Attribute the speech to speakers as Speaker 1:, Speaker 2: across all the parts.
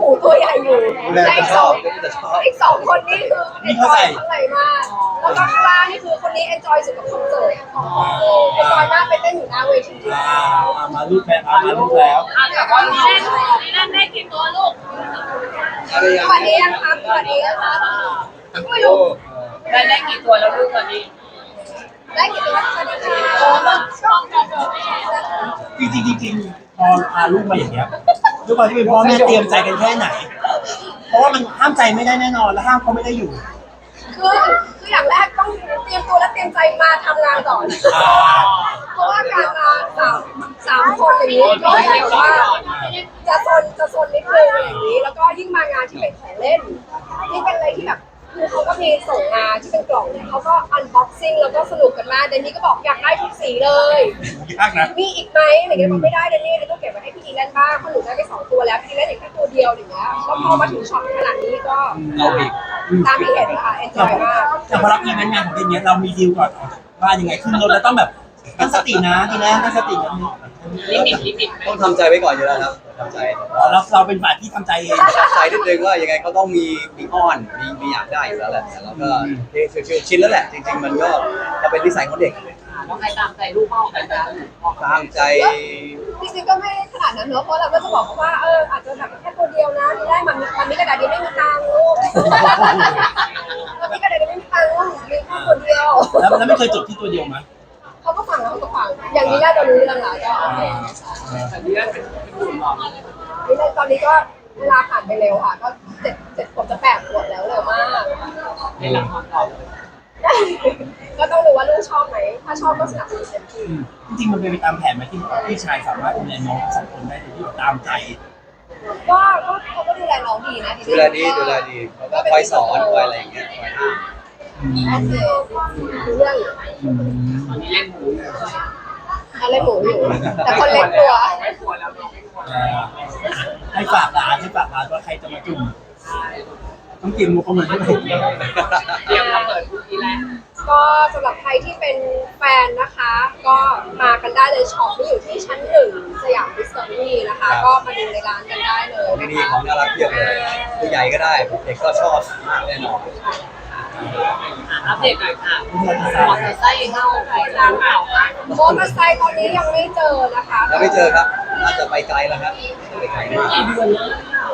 Speaker 1: หมูตัวใหญ่อยู่
Speaker 2: แม่
Speaker 1: แต่
Speaker 2: จะชอบจะชอบ
Speaker 1: อีก2 คนนี่คือเอนจอยข้างในมากแล้วก็ข้างล่างนี่คือคนนี้เอนจอยสุดกับคอนเสิร์ตเอนจอยมากไปเต้นอยู่หน้าเวที
Speaker 3: มาลูกแล้วมาลูกแล้ว
Speaker 4: แต่ว่านี่เล่นได้กี่ตัวลูก
Speaker 1: สวัสดีครับสวัสดีครับไม่รู้
Speaker 4: ได้กี่ตัวแล้วลูกตอนนี้
Speaker 1: ได้กี่ตัวสวัสดีค่ะชอบกันเลย
Speaker 3: จริงพอพาลูกมาอย่างเงี้ยด้วยความที่เป็นพ่อแม่เตรียมใจกันแค่ไหน เพราะว่ามันห้ามใจไม่ได้แน่นอนและห้ามเขาไม่ได้อยู่
Speaker 1: คืออย่างแรกต้องเตรียมตัวและเตรียมใจมาทำงานก่อนเพราะว่าการมาสามคนอย่างนี้ก็แบบว่าจะซนนิดนึงอย่างนี้แล้วก็ยิ่งมางานที่เป็นของเล่นที่เป็นอะไรที่แบบคือเขาก็มีส่งมาที่เป็นกล่องเนี่ยเขาก็อันบ็อกซิ่งแล้วก็สนุกกันมากเดนนี่ก็บอกอยากได้ทุกสีเลย
Speaker 3: ยากนะ
Speaker 1: มีอีกไหมอะไรเงี้ยบอกไม่ได้เดนนี่ต้องเก็บไว้ให้พี่ดีเล่นบ้างเพราะหนูได้ไป2 ตัวแล้วพี่ดีเล่นอีกแค่ตัวเดียวอย่างเงี้ยแล้วพอมาถึงช็อปขนาดนี้ก็
Speaker 3: เอาอีก
Speaker 1: ตามที่เห็นค่ะเอนจอยมาก
Speaker 3: แต่พอรับอีเวนต์งานของเดือนนี้เรามีดีลก่อนออกจากบ้านยังไงขึ้นรถแล้วต้องแบบตั้งสตินะทีนะตั้งสตินะ
Speaker 4: ลิมิต
Speaker 2: ต้องทำใจไว้ก่อนอยู่แล้วครับทำใจ
Speaker 3: เราเป็นฝ่ายที่ทำใจเอง
Speaker 2: ทำใจนิดนึงว่ายังไงเขาต้องมีอ้อนมีอยากได้อยู่แล้วแหละแต่เราก็ชินแล้วแหละจริงๆมันก็เป็นนิสัยของเด็ก
Speaker 4: ต้องใครตามใจลูกพ่อใครตาม
Speaker 2: ตามใจ
Speaker 1: จริงๆก็ไม่ขนาดนั้นเนอะเพราะเราก็จะบอกเขาว่าอาจจะแบบแค่ตัวเดียวนะที่ได้มันมีกระดาษดีไม่มีตังค์ลูกมันมีกระดาษดีไม่มีตังค์ลูกมีแค่ตัวเดียว
Speaker 3: แล้วไม่เคยจบที่ตัวเดียวมั้ย
Speaker 1: เขาก็ฟังแล้วเขาก็ฟังอย่างนี้ได้เรารู้เรื่องแล้วก็โอเค
Speaker 4: แต่นี่เป็นผู้หมอ
Speaker 1: นี่ตอนนี้ก็เวลาผ่านไปเร็วค่ะก็7 ขวบจะ8 ขวบแล้วเร็วมาก
Speaker 4: ในหลังความตอบ
Speaker 1: ก็ต้องดูว่าลูกชอบไหมถ้าชอบก็สนับสนุนเต็มที่
Speaker 3: จริงๆมันเป็นไปตามแผนไหมที่พี่ชายสามารถดูแลน้อง2 คนได้โดยที่ตามใจ
Speaker 1: ก็เขาก็ดูแลน้องดีนะ
Speaker 2: ดูแลดีเขาก็คอยสอนคอยอะไรอย่างเงี้ยคอยห้าม
Speaker 1: โอเคดูเรื่องอยู่
Speaker 4: ตอนนี้เล่นหมูอยู่
Speaker 1: เขาเล่นหมูอยู่แต่คนเล็กตัว
Speaker 4: ไม่กลัวแล้วไม่กลัว
Speaker 3: ให้ฝากร้านว่าใครจะมาจุ่มต้องเตรียมมุกเข้ามาด้วย
Speaker 4: เตรียมมาเปิดทุกทีแรก
Speaker 1: ก็สำหรับใครที่เป็นแฟนนะคะ ก็มากันได้เลยช็อปที่อยู่ที่ชั้น1 สยามดิสคัฟเวอรี่นะคะ ก็มาดูในร้านกันได้เลย
Speaker 2: นี่
Speaker 1: นะคะ
Speaker 2: ของน่ารักเพียบเลยผู้ใหญ่ก็ได้เด็กก็ชอบมากแน่นอน
Speaker 4: อัปเดตหน่อยค่ะมอเตอร์ไซค์เข้าใครตามข่าวค่ะ
Speaker 1: มอเตอร์ไซค์ตอนนี้ยังไม่เจอนะคะ
Speaker 2: แล้วไม่เจอครับน่าจะไปไกลแล้วครับไปไกลมาก
Speaker 4: กี่เดือนแล้ว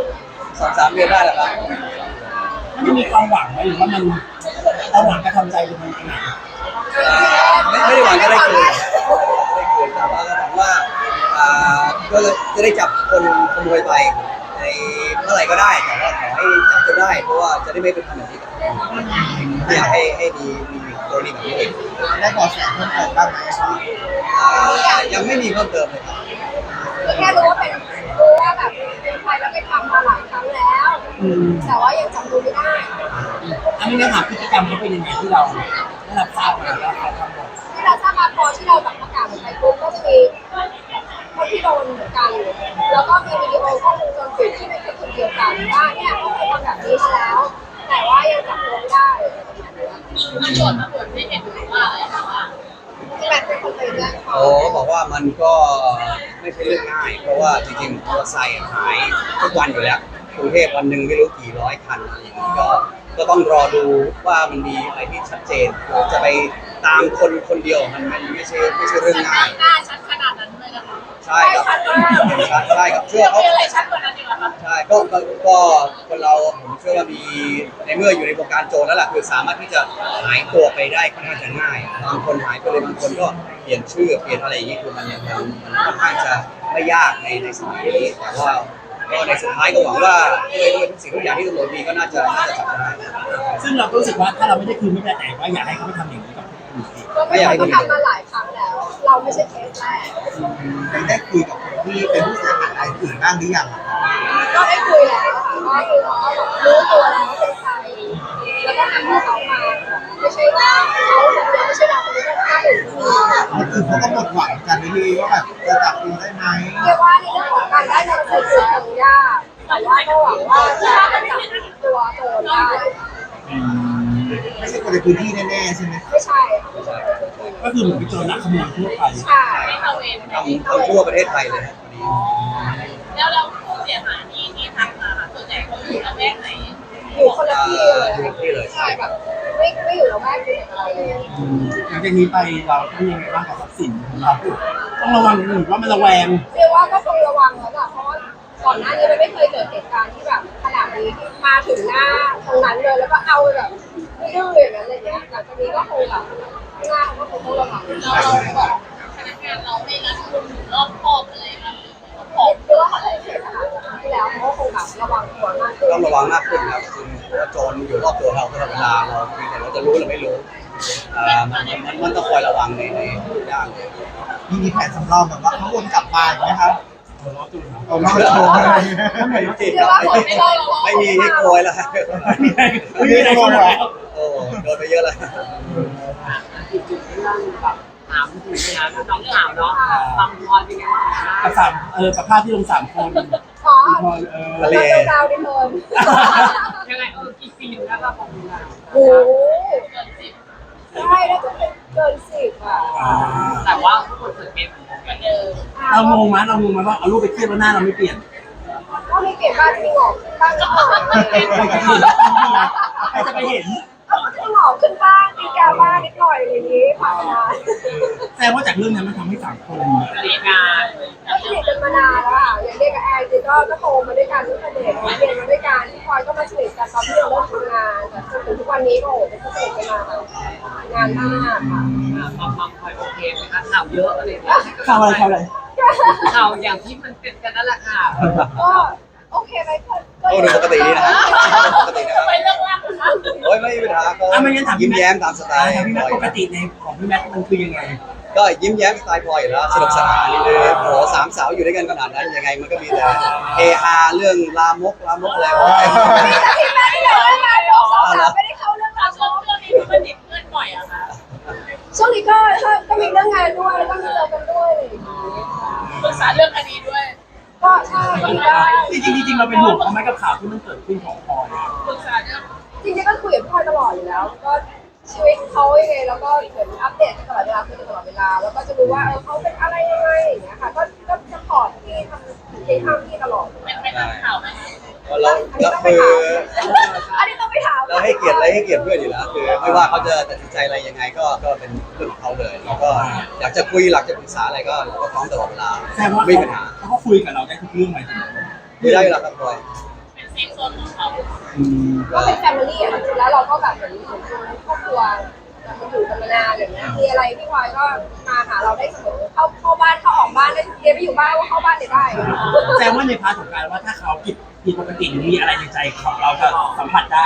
Speaker 2: 2-3 เดือนได้แล้วครับ
Speaker 3: มันมีความหวังไหมหรือว่ามันเอาหวังกระทำใจหรือมันยังไง
Speaker 2: ไม่ได้หวังก็ได้คืนแต่ว่าก็หวังว่าก็จะได้จับคนขโมยไปในเมื่อไหร่ก็ได้แต่ว่าขอให้จับจนได้เพราะว่าจะได้ไม่เป็นทำแบบนี้กับไม่อยากให้มีกรณีแบบนี้อีก
Speaker 5: ได้เบาะแสเพิ่มเติมบ้างไหมครับ
Speaker 2: ยังไม่มีเพิ่มเติมเลยครับ
Speaker 1: แค่รู้ว่าแบบเป็นใครแล้วไปทำมาหลายครั้งแล้ว แต่ว่ายังจำตัวไม่ได้
Speaker 3: อันนี้ถามพฤติกรรมเขาเป็นยังไงที่เราได้รับทราบมาแล้วเขาทำหมด
Speaker 1: ที่เราทราบมาพอที่เราแบบประกาศออกไปปุ๊บก็จะมีคนที่โดนเหมือนกันแล้วก็มีวิดีโอกล้องวงจรปิดที่เป็นคนเดียวกันว่าเนี่ยเขาเคยทำแบบนี้มาแล้ว แต่ว่ายังจับตัวไม่ได้
Speaker 4: ตำรวจไม่เห็นหรือว่าอะไรนะว่า
Speaker 1: ที่แม่เป็นคนไปแจ้งความ
Speaker 2: โอ้เขาบอกว่ามันก็ไม่ใช่เรื่องง่าย เพราะว่าจริงๆมอเตอร์ไซค์หายทุกวันอยู่แล้วกรุงเทพวันหนึ่งไม่รู้กี่ร้อยคันอะไรอย่างนี้ก็ต้องรอดูว่ามันมีอะไรที่ชัดเจนจะไปตามคนเดียวมันไม่ใช่เรื่องง่าย
Speaker 4: หน้าชัดขนาดนั้นเลยนะคะ
Speaker 2: ใช่ครับใช่ครับเชื่อเขา
Speaker 4: มีอะไรชัดกว่านั้นอีกเหรอคะ
Speaker 2: ใช่ก็คนเราผมเชื่อว่ามีในเมื่ออยู่ในวงการโจรแล้วล่ะคือสามารถที่จะหายตัวไปได้ค่อนข้างจะง่ายบางคนหายไปเลยบางคนก็เปลี่ยนชื่อเปลี่ยนอะไรอย่างนี้คือมันค่อนข้างจะไม่ยากในสมัยนี้แต่ว่าก็ในสุดท้ายก็หวังว่าด้วยทุกสิ่งทุกอย่างที่ตำรวจมีก็น่าจะจับได้
Speaker 3: ซึ่งเราก็รู้สึกว่าถ้าเราไม่ได้คืนไม่ได้แต่ว่าอยากให้เขาไม่ทำอย่างนี้กับคนอื่นอีก
Speaker 1: ก็ไม่เคยทำมาหลายครั้งแล้ว เราไม่ใช่เคสแรก
Speaker 5: ได้คุยกับคนที่เป็นผู้เสียหายรายอื่นบ้างหรือยังครับ
Speaker 1: ก็ได้คุยแล้วค่ะก็คือเขาก็แบบรู้ตัวแล้วว่าเป็นใครแล้วก็ทำให้เขามาไม่ใช่ว่าเขาคนเดียวไม่ใช่เราคนเดียวก็อื่นมี
Speaker 5: คนอื่นเขาก็หมดหวังกันที่ว่าแบบจะจับตัวได้ไหม
Speaker 1: เรียกว่าในเรื่องของการได้เงินคือคงยากแต่ว่าก็หวังว่าจะจับตัวโจรได้
Speaker 5: ไม่ใช่คนในพื้นที่แน่ๆใช่ไหม
Speaker 1: ไม่ใช่
Speaker 3: ก็คือเหมือนเป็นโจรลักขโมยทั่วไป
Speaker 1: ใช่
Speaker 4: ไม่เข้าเวร
Speaker 2: ทำทั่วประเทศไทยเลยครับวันนี้
Speaker 4: แล้วผู้เสียหายที่ทักมาค่ะส่วน
Speaker 1: อยู่คนละที่เลย
Speaker 2: อยู่ที่เลย
Speaker 1: ใช่แบบไม่อยู่ละแวกเดียวกันอะไรเลย
Speaker 3: หลังจากนี้ไปเราต้องยังไงบ้างกับทรัพย์สินของเราต้องระวังหรือว่ามันระแวง
Speaker 1: เรียกว่าก็คงระวังแล้วอะเพราะว่าก่อนหน้านี้มันไม่เคยเกิดเหตุการณ์ที่แบบขนาดนี้ที่มาถึงหน้าตรงนั้นเลยแล้วก็เอาแบบดื้อๆอย่างนั้นอะไรเงี้ยหลังจากนี้ก็คงแบบหน้าเขาก็คงต้องระวัง
Speaker 4: เราบอกพนักงานเราไม่รัดกุมหรือรอบคอบอะไรแบบ
Speaker 1: หรือว่าเขาเคยเห็นนะคะที่แล้วเขาก็คงแบบระวังตัวมากขึ้น
Speaker 2: ต้องระวังมากขึ้นครับคือเพราะว่าโจรอยู่รอบตัวเราตลอดเวลาเราเพียงแต่เราจะรู้หรือไม่รู้มันต้องคอยระวังในทุกอย่างเลย
Speaker 5: มีแผนสำรองแบบว่าเขาวนกลับมาไหมครับ
Speaker 3: หัวเราะจุดครับ
Speaker 5: เอาล้อโชว์อะไร
Speaker 1: เรียกว่าคนไม่ได้หรอก
Speaker 2: ไม่มีให้โกยแล้ว
Speaker 3: ไม่มีอะไรกันแล้ว
Speaker 2: โอ้โดนไปเยอะแล้ว
Speaker 4: อีกจุดที่เราแบบถามถึงนะน้องถามเนาะความพอเป็นไงบ้างคะ
Speaker 3: กับสามกับภาพที่ลง3 คน
Speaker 1: อ๋อ
Speaker 3: พอ
Speaker 2: ทะเล
Speaker 1: เราดาวดิเทิร์น
Speaker 4: ยังไงกี่ปีอยู่แล้วเราของเรา
Speaker 1: โอ้โหใช่น่าจะเป็นเกิน10อ่ะ
Speaker 4: แต่ว่าทุกคนเปิดเกมเหมือนเดิม
Speaker 3: เรางงไหมว่าเอารูปไปเทียบแล้วหน้าเราไม่เปลี่ยน
Speaker 1: ก็มีเก็บบ้านที่หงอกบ้างนิดหน่อย
Speaker 3: ใครจะไปเห็น
Speaker 1: เขาก็จะหงอกขึ้นบ้างมีกาบ้างนิดหน่อยอะไรอย่างนี้ผ่านมา
Speaker 3: แต่ว่าจากเรื่องนั้นมันทำให้สังคม
Speaker 4: เรียนงาน
Speaker 1: ก็สนิทกันมานานแล้วอ่ะอย่างเด็กกับแอนจริงก็โตมาด้วยกันตั้งแต่เด็กเรียนมาด้วยกันที่พลอยก็มาสนิทกันตอนที่เราเริ่มทำงานแต่จนถึงทุกวันนี้ก็โอ้โหเป็นสนิทกันมาแบบนานมากค่ะ
Speaker 4: ความคอยโอเคไหมคะข่าวเยอะอะไรอย่างเงี้ย
Speaker 3: ข่าวอะไร
Speaker 4: ข่าวอย่างที่มันเป็นกันนั่นแหละค่ะ
Speaker 1: ก็โอเคไหมก็
Speaker 2: โอ้ดูปกติดีนะปกตินะ
Speaker 4: ไปเรื่องราวนะคะ
Speaker 2: โอ้ยไม่มีปัญหาก็ยิ้มแย้มตามสไตล์
Speaker 3: พี่แม็กปกติในของพี่แม็กมันคือยังไง
Speaker 2: ก็ยิ้มแย้มสไตล์พลอยอยู่แล้วสนุกสนานนี่เลยโอ้สามสาวอยู่ด้วยกันขนาดนั้นยังไงมันก็มีแต่เฮฮาเรื่องลามกอะไร
Speaker 1: มีแต่ที่แม่ที่ไหนนะสาวๆไม่ได้เข้าเรื่องราว
Speaker 4: ช่วงนี้มันติดเพื่อนบ่อยอะค่ะ
Speaker 1: ช่วงนี้ก็มีเรื่องงานด้วยแล้วก็มีเจอกันด้วยอะไรอย่างเงี้ย
Speaker 4: ปรึกษาเรื่องคดีด้วย
Speaker 1: ก็ใช่ก็ได้
Speaker 3: จริงเราเป็นห่วงเขาไหมกับข่าวที่มันเกิดขึ้นของพลอย
Speaker 4: ปรึกษาเรื่อง
Speaker 1: จริงๆก็คุยกับพี่พลอยตลอดอยู่แล้ว ก็ชีวิตเขายังไงแล้วก็เหมือนอัปเดตตลอดเวลาคุยกันตลอดเวลาแล้วก็จะรู้ว่าเขาเป็นอะไรยังไงอย่างเงี้ยค่ะก็จะพอร์ตที่ทำในข้ามที่ตลอด
Speaker 4: เป็นข่าวไหม
Speaker 2: เราคือ
Speaker 1: อันนี้ต้องไปถาม
Speaker 2: เราให้เกียรติเพื่อนอยู่แล้วคือไม่ว่าเขาจะตัดสินใจอะไรยังไงก็เป็นเรื่องของเขาเลยแล้วก็อยากจะคุยอยากจะปรึกษาอะไรก็พร้อมตลอดเวลา
Speaker 3: แสดงว่า
Speaker 2: ไม่มีปัญหา
Speaker 3: เขาก็คุยกับเราได้ทุกเรื่องไหม
Speaker 2: คุยได้อยู่แล้วครับพลอย
Speaker 4: เป็นเซฟโซนของเขา
Speaker 1: ก็เป็นแฟมิลี่อะค่ะจริงๆแล้วเราก็แบบเหมือนครอบครัวมันอยู่กันมานานอย่างเงี้ยมีอะไรพี่พลอยก็มาหาเราได้เสมอเข้าบ้านเข้าออกบ้านได้เรียนไปอยู่บ้านว่าเข้าบ้านได้
Speaker 3: แสดงว่าในพาร์ทของการว่าถ้าเขาผิดปกติหรือมีอะไรในใจของเราจะสัมผัสได้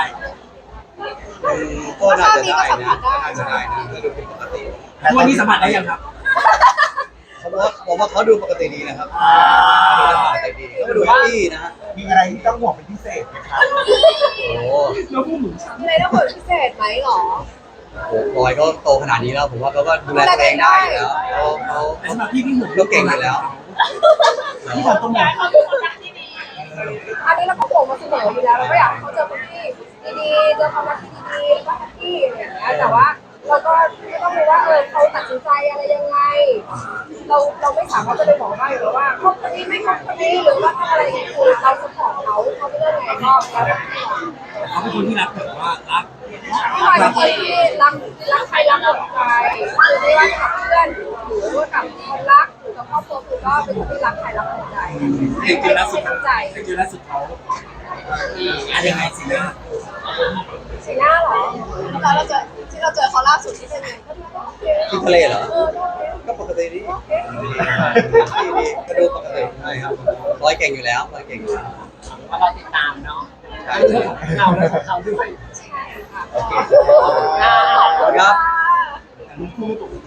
Speaker 2: ก็น่าจะได้นะน่าจะได้นะถ้าดูเป็นปกติ
Speaker 3: ทุกวันนี้สัมผัสได้ยังครับ
Speaker 2: ผมว่าเขาดูปกติดีนะครับดูปกติดีเขาดูแฮปปี้นะฮะ
Speaker 5: มีอะไรที่ต้องห่วงเป็นพิเศษไหมครับ
Speaker 2: โอ้
Speaker 3: เราพูดเหมือน
Speaker 1: เลยต้องเปิดพิเศษไหมหรอ
Speaker 2: โหพลอยก็โตขนาดนี้แล้วผมว่าเขาก็ดูแลตัวเองได้อยู่แล้วเขา
Speaker 3: แต่สำหรับพี่เหมือน
Speaker 2: ก็เก่งอยู่แล้ว
Speaker 3: ที่เราต้องมอง
Speaker 4: เขาเป็นคนรักที่ดี
Speaker 1: อันนี้เราก็ห่วงมาเสมออยู่แล้วเราก็อยากให้เขาเจอคนที่ดีๆเจอความรักที่ดีๆแล้วก็แฮปปี้อะไรอย่างเงี้ยแต่ว่าเราก็ต้องรู้ว่าเขาตัดสินใจอะไรยังไง เราไม่สามารถจะไปบอกได้หรือว่าคบคนนี้ไม่คบคนนี้หรือว่าทำอะไรอย่างเงี้ยคือเราสปอร์ตเขาไม่เลือกไงก็แล้วแต่
Speaker 3: เขาเป็นคนที่รักแบบว่ารัก
Speaker 1: พี่พลอยเป็นคนที่รักใครรักหมดใจคือไม่ว่าจะกับเพื่อนหรือว่ากับคนรักหรือกับครอบครัวคือก็เป็นคนที่รักใครรักหมดใจ
Speaker 3: จริงๆแล้วสุด
Speaker 1: ทั้งใจ
Speaker 3: จริงๆแล้วสุดเขาอะไรยังไงสินะ
Speaker 1: สีหน้าเหรอเราเจอที่เราเจอเขาล่าสุดที่เป็นไงก็ดูโอเค
Speaker 2: ที่ทะเลเหรอ
Speaker 1: ก็โอเค
Speaker 2: ก็ปกติดีดีก็ดูปกติใช่ครับร้อยเก่งอยู่แล้วร้อยเก่งอยู่แล้ว
Speaker 4: ว่าเราติดตามเนาะ
Speaker 2: ใช่
Speaker 4: เรื่องของเราและของเขาด้วย
Speaker 1: ใช่ค่ะ
Speaker 2: โอเค
Speaker 1: ขอบคุณ
Speaker 2: ครับ
Speaker 1: ค่ะ
Speaker 3: แต่ลูกคู่ไม่ตก